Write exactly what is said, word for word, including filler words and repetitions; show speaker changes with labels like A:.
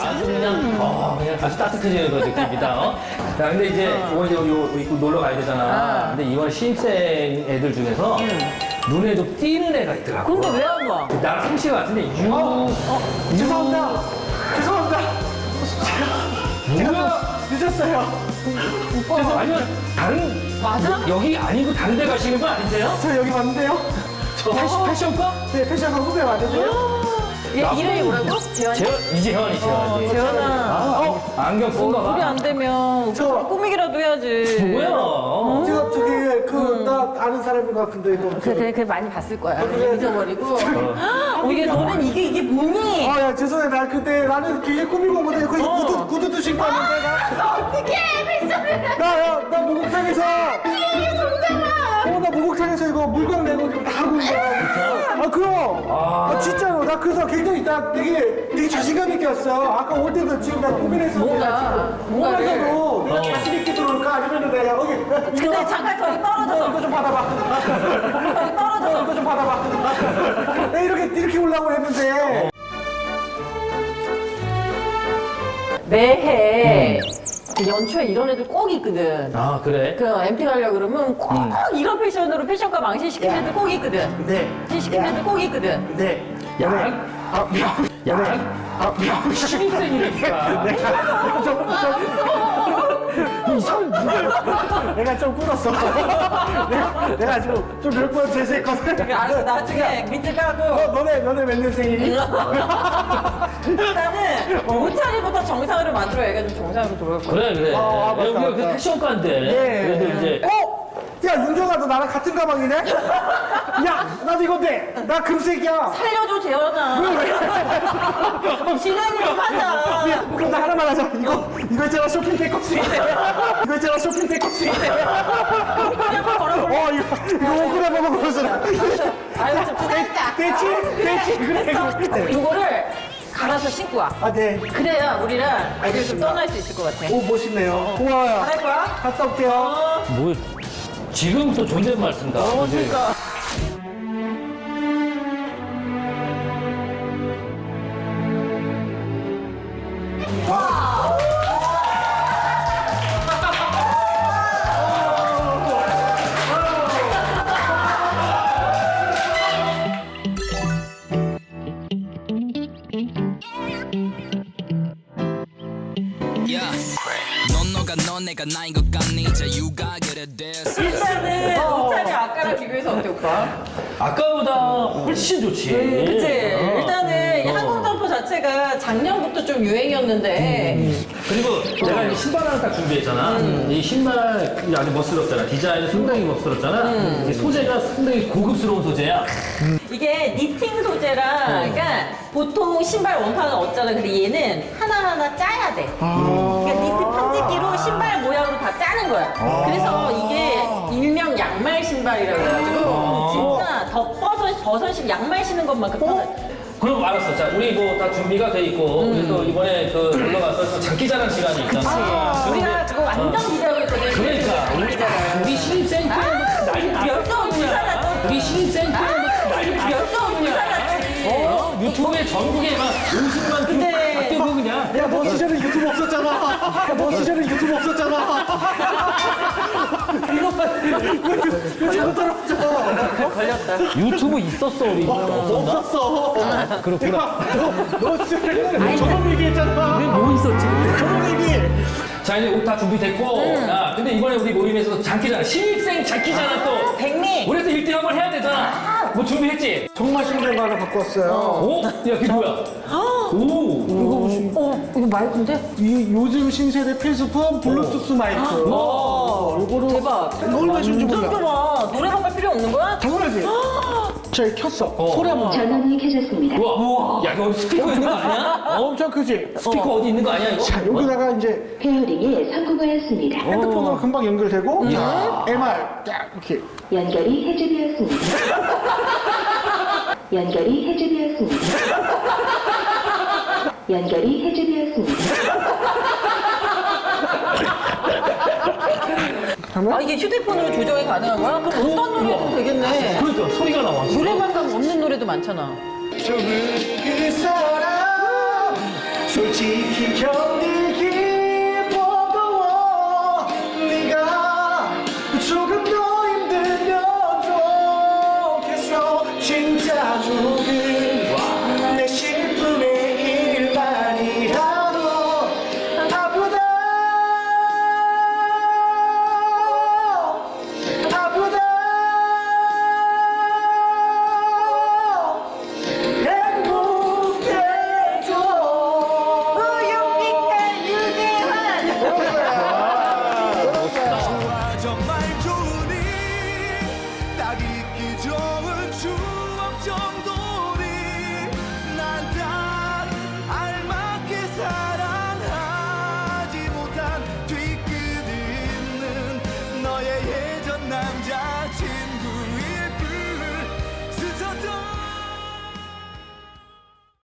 A: 아주 그냥, 어, 그냥 아주 따뜻해지는 그 느낌이다. 어? 자, 근데 이제, 이번 이제 우리 입고 놀러 가야 되잖아.
B: 아.
A: 근데 이번 신입생 애들 중에서 눈에 좀 띄는 애가 있더라고.
B: 근데 왜 안 와?
A: 나랑 성씨 같은데, 유. 어, 유.
C: 죄송합니다. 죄송합니다.
A: 뭐야?
C: 늦었어요.
A: 오빠. 아니면, 다른.
B: 맞아?
A: 여기 아니고 다른 데 가시는 거 아니세요?
C: 저 여기 왔는데요.
A: 저 패션, 패션과?
C: 네, 패션과 후배 왔는데요.
B: 얘 이름이 뭐라고? 재환이?
A: 재현, 이재현이, 재현이.
B: 재현아.
A: 아, 어? 안경 쓴가 봐.
B: 우리 안 되면
C: 저-
B: 오빠 꾸미기라도 해야지.
A: 뭐야?
C: 제가 저기 그 나 아는 사람인 것 같은데 이거.
B: 그래, 그래, 그래 많이 봤을 거야.
C: 그래.
B: 잊어버리고. 어, 이게 너는 이게 이게 뭐니?
C: 아, 야, 죄송해. 나 그때 나는 길게 꾸미고 오거든. 거기 구두, 구두도 신고 왔는데, 나.
B: 어떻게 패션을?
C: 나, 야, 나 목욕탕에서.
B: 이게 정답아.
C: 어, 나 목욕탕에서 이거 물광 내고 지금 다 하고 온 거야. 아, 그럼. 아, 진짜로. 나 그래서 굉장히 나 되게, 되게 자신감 있게 왔어. 아까 올 때도 지금 나 고민했어.
B: 뭔가, 뭔가를.
C: 오면서도 내가 자신 있게 들어올까? 아니면은 내가 여기.
B: 근데 잠깐 저기 떨어져서.
C: 이거 좀 받아봐.
B: 저기 떨어져서.
C: 이거 좀 받아봐. 내가 이렇게, 이렇게 올라오고 했는데.
B: 매해 그 연초에 이런 애들 꼭 있거든.
A: 아, 그래?
B: 그 엠티 가려고 그러면 꼭
A: 음.
B: 이런 패션으로 패션과 망신시키는 애들 꼭 있거든.
C: 네.
B: 망신시키는 애들 꼭 있거든.
C: 네.
A: 야,
C: 아,
A: 야, 아, 야, 신입생이니까.
C: 이상 내가 좀 꿇었어. 내가, 내가 지금 좀 몇 번 재수했거든.
B: 알았어, 나중에 밑에
C: 어,
B: 까고.
C: 너네, 너네 몇 년생이니?
B: 일단은 옷차림부터 정상으로 만들어야겠다. 정상으로 돌아올 거야.
A: 그래, 그래.
C: 아, 맞다,
A: 여기가 그
C: 맞다.
A: 패션과인데.
C: 네.
A: 그래도 이제.
C: 어? 야, 윤정아, 너 나랑 같은 가방이네? 야, 나도 이거 돼. 나 금색이야.
B: 살려줘, 재현아. 진행을 좀 하자.
C: 야, 그럼 나 하나만 하자. 이거, 이거 있잖아, 쇼핑백 껍질. 이거 있잖아, 쇼핑백 껍질.
B: 그냥 걸어볼래?
C: 어, 이거, 이거 오그라 먹어, 그러잖아.
B: 아유, 좀 부담다.
C: 됐지? 됐지? 그래, 그래.
B: 이거를 갈아서 신고 와.
C: 아, 네.
B: 그래야 우리랑 어딜 좀 떠날 수 있을 것 같아.
C: 오, 멋있네요. 고마워요.
B: 할 거야?
C: 갔다 올게요.
A: 뭐, 지금 또 존댓말 쓴다.
B: 어,
A: 그지?
B: 그러니까.
D: 넌 너가 넌 내가 나인 것 같니 자유가 그래 됐어
B: 일단은 옷차림 아까랑 비교해서 어때, 오빠?
A: 아까보다 훨씬 좋지.
B: 음, 그치?
A: 어.
B: 일단은 이
A: 어.
B: 항공 점퍼 자체가 작년부터 좀 유행이었는데
A: 그리고 내가 이 신발 하나 딱 준비했잖아.
B: 음.
A: 이 신발 아주 멋스럽잖아. 디자인은 상당히 멋스럽잖아.
B: 음.
A: 이 소재가 상당히 고급스러운 소재야.
B: 이게 니팅 소재라 그러니까 보통 신발 원판은 없잖아. 근데 얘는 하나하나 짜야 돼. 그러니까 니트 편집기로 신발 모양으로 다 짜는 거야. 그래서 이게 일명 양말 신발이라고 해가지고 진짜 더 버섯, 버섯이 양말 신는 것만큼 편해.
A: 그럼 알았어. 자, 우리 뭐 다 준비가 돼 있고, 우리 또 이번에 그 놀러 가서 또 장기자랑 시간이 있잖아.
B: 우리가 그거 완전 기대하고 있거든.
A: 그러니까 우리,
B: 장기자랑.
A: 우리 신입생 때 난리 났어.
B: 열정 불살랐지.
A: 우리 신입생 때 난리 났어.
B: 열정 불살랐지.
A: 어? 유튜브에 전국에 막 음식만
B: 근데-
A: 다 뜨고 그냥.
C: 야, 너 시절에 유튜브 없었잖아. 야, 너 시절에 유튜브 없었잖아. 이거 자꾸 떨어져.
B: 걸렸다.
A: 유튜브 있었어, 우리. 없었나?
C: 없었어.
A: 그렇구나.
C: 너, 너 시절에 저런 얘기했잖아.
A: 우리 뭐 있었지?
C: 저런 얘기.
A: 자, 이제 옷 다 준비됐고. 야, 근데 이번에 우리 모임에서 장기자랑, 신입생 장기자랑 또.
B: 백미.
A: 우리 또 일 등 한번 해야 되잖아. 뭐 준비했지?
C: 정말 신기한 거 하나 갖고 왔어요.
A: 오? 야, 그게 뭐야? 오.
B: 어, 이거 마이크인데?
C: 이 요즘 신세대 필수품 블루투스 마이크.
B: 어,
C: 요거로
B: 대박.
C: 이걸 왜 줄지
B: 완전
C: 몰라.
B: 좋아. 노래방 갈 필요 없는 거야?
C: 당연하지. 저 켰어.
A: 어.
C: 소리 한번.
E: 전원이 켜졌습니다.
A: 우와. 야, 이거 스피커 있는 거 아니야?
C: 엄청 크지.
A: 스피커 어. 디 있는 거 아니야, 이거?
C: 자, 여기다가 이제
E: 페어링에 성공하였습니다.
C: 핸드폰으로 금방 연결되고 자, 엠알 딱 이렇게.
E: 연결이 해제되었습니다. 연결이 해제되었습니다. 연결이 해제되었습니다.
B: 아, 이게 휴대폰으로 조정이 가능한 거야? 그럼 어떤 노래 해도 되겠네.
A: 그러니까 소리가 나와.
B: 노래방 가면 없는 노래도 많잖아.
C: 그 사람 솔직히 견디기 버거워 네가 조금 더 힘들면 좋겠어 진짜 조금